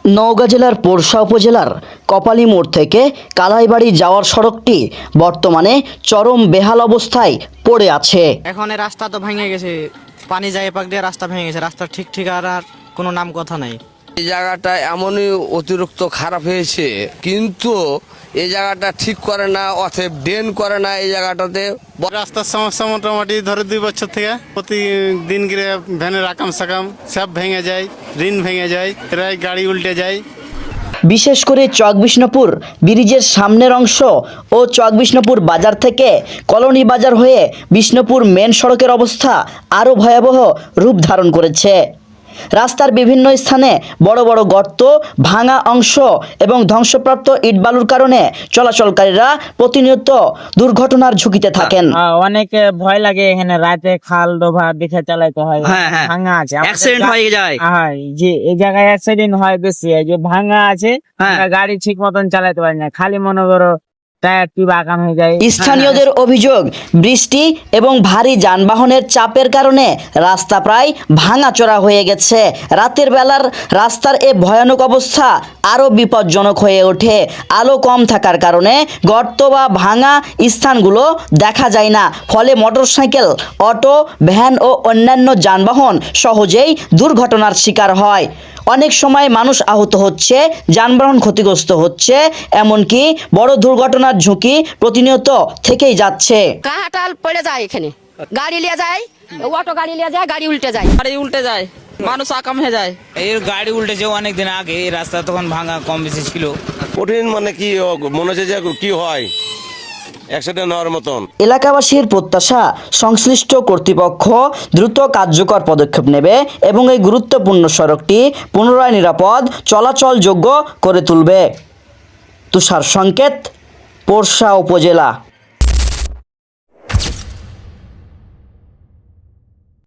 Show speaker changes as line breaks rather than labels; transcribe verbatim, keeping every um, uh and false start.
নওগাঁ জেলার পোরশা উপজেলার কপালী মোড় থেকে কালাইবাড়ি যাওয়ার সড়কটি বর্তমানে চরম বেহাল অবস্থায় পড়ে আছে।
এখন এই রাস্তা তো ভেঙে গেছে, পানি যায় পাক দিয়ে রাস্তা ভেঙে গেছে, রাস্তা ঠিক ঠিক আর আর কোনো নাম কথা নাই।
এই জায়গাটা এমনই অতিরিক্ত খারাপ হয়েছে, কিন্তু এই জায়গাটা ঠিক করে না, অতএব ড্রেন করে না এই জায়গাটাতে।
রাস্তার সমস্যা মোটামুটি ধরে দুই বছর থেকে প্রতিদিন গিয়ে ভ্যানের আকাম সাকাম সব ভেঙে যায়, ঋণ ভেঙে যায়, প্রায় গাড়ি উল্টে যায়।
বিশেষ করে চকবিষ্ণপুর ব্রিজের সামনের অংশ ও চকবিষ্ণপুর বাজার থেকে কলোনি বাজার হয়ে বিষ্ণুপুর মেন সড়কের অবস্থা আরও ভয়াবহ রূপ ধারণ করেছে। রাস্তার বিভিন্ন স্থানে বড় বড় গর্ত, ভাঙা অংশ এবং ধ্বংসপ্রাপ্ত ইটবালুর কারণে চলাচলকারীরা প্রতিনিয়ত দুর্ঘটনার ঝুঁকিতে থাকেন।
অনেক ভয় লাগে, এখানে রাতে খাল ডোবা দেখে চালাইতে হয়।
হ্যাঁ, হ্যাঁ।
ভাঙা আছে,
অ্যাক্সিডেন্ট হয়ে যায়।
হ্যাঁ, যে এই জায়গায় অ্যাক্সিডেন্ট হয় বেশি, এই যে ভাঙা আছে,
হ্যাঁ।
আমরা গাড়ি ঠিক মতন চালাতে পারি না, খালি মনে করো টায়ার টিউব আকাম হয়ে যায়।
স্থানীয়দের অভিযোগ, বৃষ্টি এবং ভারী যানবাহনের চাপের কারণে রাস্তা প্রায় ভাঙাচোরা হয়ে গেছে। রাতের বেলার রাস্তার এ ভয়ানক অবস্থা আরও বিপজ্জনক হয়ে ওঠে। আলো কম থাকার কারণে গর্ত বা ভাঙা স্থানগুলো দেখা যায় না, ফলে মোটরসাইকেল, অটো, ভ্যান ও অন্যান্য যানবাহন সহজেই দুর্ঘটনার শিকার হয়। অনেক সময় মানুষ আহত হচ্ছে, যানবাহন ক্ষতিগ্রস্ত হচ্ছে, এমনকি বড় দুর্ঘটনার ঝুঁকি প্রতিনিয়ত থেকেই যাচ্ছে।
কাঁটাল পড়ে যায়, এখানে গাড়ি লিয়ে যায়, অটো গাড়ি লিয়ে যায়, গাড়ি উল্টে যায়,
গাড়ি উল্টে যায়, মানুষ আকাম হয়ে যায়।
এই গাড়ি উল্টেছে অনেক দিন আগে, এই রাস্তা তখন ভাঙা কম বেশি ছিল।
কঠিন মানে কি মনে হচ্ছে যে কি হয় অ্যাক্সিডেন্ট হওয়ার মতন।
এলাকাবাসীর প্রত্যাশা, সংশ্লিষ্ট কর্তৃপক্ষ দ্রুত কার্যকর পদক্ষেপ নেবে এবং এই গুরুত্বপূর্ণ সড়কটি পুনরায় নিরাপদ চলাচলযোগ্য করে তুলবে। তুষার সংকেত, পোরশা উপজেলা।